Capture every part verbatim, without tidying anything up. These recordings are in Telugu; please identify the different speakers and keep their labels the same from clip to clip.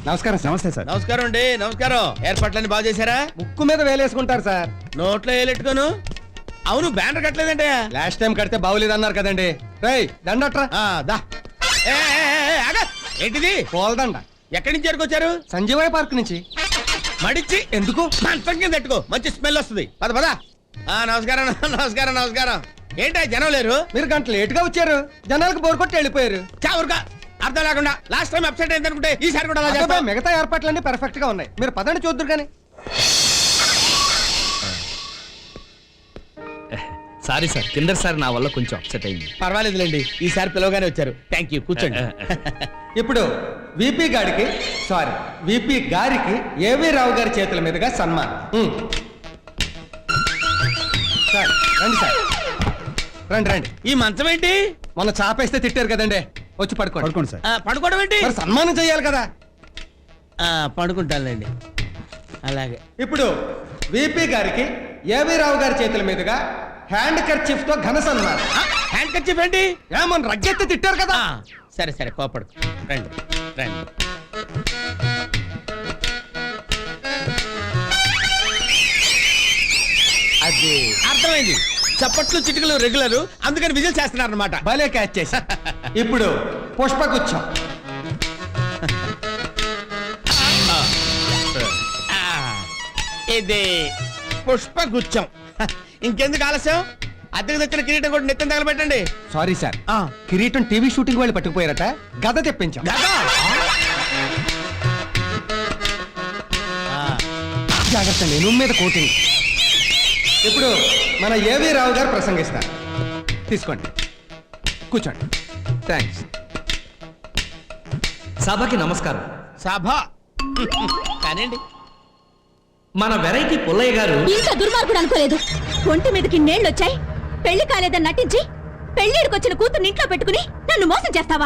Speaker 1: నమస్కారం సార్. నమస్తే సార్.
Speaker 2: నమస్కారం అండి. నమస్కారం. ఏర్పాట్లన్నీ బాగా చేశారా?
Speaker 1: ముక్కు మీద వేలేసుకుంటారు సార్.
Speaker 2: నోట్లో వేలెట్టుకోను. అవును, బ్యానర్ కట్టలేదంటే
Speaker 1: లాస్ట్ టైం కడితే బాగులేదు అన్నారు కదండి. రేయ్ దండట్రా.
Speaker 2: దా ఏ, ఏ, ఏ, ఆగ. ఏంటిది?
Speaker 1: పోల్దండ.
Speaker 2: ఎక్కడి నుంచి ఎరుకొచ్చారు?
Speaker 1: సంజీవయ్య పార్క్ నుంచి.
Speaker 2: మడిచి
Speaker 1: ఎందుకు?
Speaker 2: మంచం కింద పెట్టుకో, మంచి స్మెల్ వస్తుంది. పద పద. ఆ నమస్కారం నమస్కారం నమస్కారం. ఏంటా జనం లేరు?
Speaker 1: మీరు గంట లేట్ గా వచ్చారు, జనాలకు బోర్ కొట్టి వెళ్ళిపోయారు.
Speaker 2: చావురుగా అర్థం లేకుండా లాస్ట్ టైం అప్సెట్ అయింది అనుకుంటే ఈసారి కూడా అలా
Speaker 1: అదే
Speaker 2: చేస్తావా?
Speaker 1: మిగతా ఏర్పాట్లన్నీ పర్ఫెక్ట్ గా ఉన్నాయి. మీరు పదండి చూద్దరు కానీ.
Speaker 3: సారీ సార్, కింద సార్ నా వల్ల కొంచెం అప్సెట్ అయింది.
Speaker 2: పర్వాలేదులేండి, ఈసారి పిలవగానే వచ్చారు. థ్యాంక్ యూ, కూర్చోండి.
Speaker 1: ఇప్పుడు విపి గారికి సారీ విపి గారికి ఏవి రావు గారి చేతుల మీదుగా సన్మానం. ఉమ్. సార్ రండి సార్, రండి రండి.
Speaker 2: ఈ మంచం ఏంటి?
Speaker 1: మొన్న చాపేస్తే తిట్టారు కదండి, వచ్చి పడుకోండి. పడుకోండి సార్.
Speaker 2: ఆ, పడుకోవడం ఏంటి?
Speaker 1: మరి సన్మానం చేయాలి కదా.
Speaker 2: ఆ, పడుకుంటానులేండి. అలాగే.
Speaker 1: ఇప్పుడు విపి గారికి ఏవి రావు గారి చేతుల మీదుగా హ్యాండ్ కర్చీఫ్ తో ఘన సన్మానం.
Speaker 2: హ్యాండ్ కర్చీఫ్ ఏంటి?
Speaker 1: ఏమన్నా రగ్గెత్తి తిట్టారు కదా.
Speaker 2: ఆ, సరే సరే, కోపడు. రండి రండి. అది అర్థమైంది. చప్పట్లు చిటికలు రెగ్యులర్, అందుకని విజిల్ చేస్తున్నారు అనమాట.
Speaker 1: భలే క్యాచ్ చేశా. ఇప్పుడు పుష్పగుచ్చం.
Speaker 2: ఇది పుష్పగుచ్చం. ఇంకెందుకు ఆలస్యం? అద్దెకు తెచ్చిన కిరీటం కూడా నెత్తిన తగలబెట్టండి.
Speaker 1: సారీ సార్, కిరీటం టీవీ షూటింగ్ వాళ్ళు పట్టుకుపోయారట, గద తెప్పించాం.
Speaker 2: గదా?
Speaker 1: జాగ్రత్త, నేను మీద కోటింగ్. ఇప్పుడు మన ఏవి రావు గారు ప్రసంగిస్తారు. తీసుకోండి, కూర్చోండి. థ్యాంక్స్.
Speaker 3: సభకి నమస్కారం.
Speaker 2: సభ కానివ్వండి.
Speaker 3: మన వెరైటీ పుల్లయ్య గారు
Speaker 4: ఇంత దుర్మార్గుడు అనుకోలేదు. ఒంటి మీదకి నేళ్ళొచ్చాయి, పెళ్లి కాలేదని నటించి పెళ్లిడికొచ్చిన కూతుర్ని ఇంట్లో పెట్టుకుని నన్ను మోసం చేస్తావా?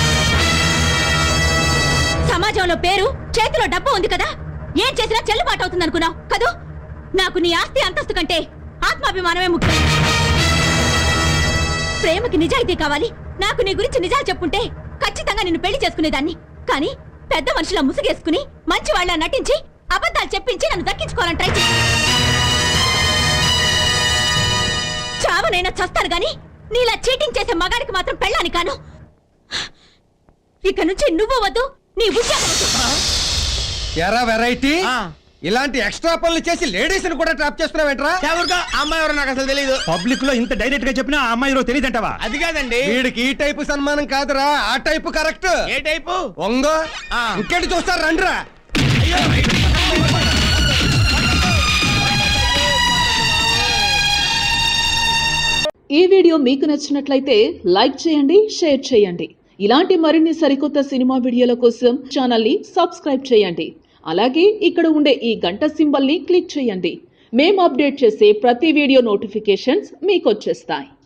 Speaker 4: సమాజంలో పేరు, చేతిలో డబ్బు ఉంది కదా, ఏం చేసినా చెల్లుబాటు అవుతుంది అనుకున్నావు కదూ? నాకు నీ ఆస్తి అంతస్తు కంటే ఆత్మాభిమానమే ముఖ్యం. ప్రేమకి నిజాయితీ కావాలి. నాకు నీ గురించి నిజాలు చెప్పుంటే ఖచ్చితంగా నిన్ను పెళ్లి చేసుకునేదాన్ని. కానీ పెద్ద మనుషులా ముసుగేసుకుని మంచి వాళ్ళ నటించి అబద్ధాలు చెప్పించి నన్ను దక్కించుకోవాలని ట్రై చేసి చావనైనా చస్తాను గాని నీలా చీటింగ్ చేసే మగాడికి మాత్రం పెళ్ళాని కాను. ఇక నుంచి నువ్వు వద్దు, నీ ఉద్యోగం వద్దు.
Speaker 1: ఎరా వెరైటీ, ఇలాంటి ఎక్స్ట్రా పనులు చేసి లేడీస్ ని కూడా ట్రాప్ చేస్తున్నావేంట్రా?
Speaker 2: అమ్మాయి ఎవరో నాకు అసలు తెలియదు.
Speaker 5: పబ్లిక్ లో ఇంత డైరెక్ట్ గా చెప్పినా ఆ అమ్మాయి తెలియదంటావా?
Speaker 2: అది కాదండి,
Speaker 1: వీడికి ఈ టైపు సన్మానం కాదురా, ఆ టైపు కరెక్ట్.
Speaker 2: ఏ టైపు?
Speaker 1: ఒంగో
Speaker 2: ఆ.
Speaker 1: ఇంకేంటి చూస్తారు, రండిరా.
Speaker 6: ఈ వీడియో మీకు నచ్చినట్లయితే లైక్ చేయండి, షేర్ చేయండి. ఇలాంటి మరిన్ని సరికొత్త సినిమా వీడియోల కోసం ఛానల్ ని సబ్స్క్రైబ్ చేయండి. అలాగే ఇక్కడ ఉండే ఈ గంట సింబల్ ని క్లిక్ చేయండి. మేము అప్డేట్ చేసే ప్రతి వీడియో నోటిఫికేషన్స్ మీకు వచ్చేస్తాయి.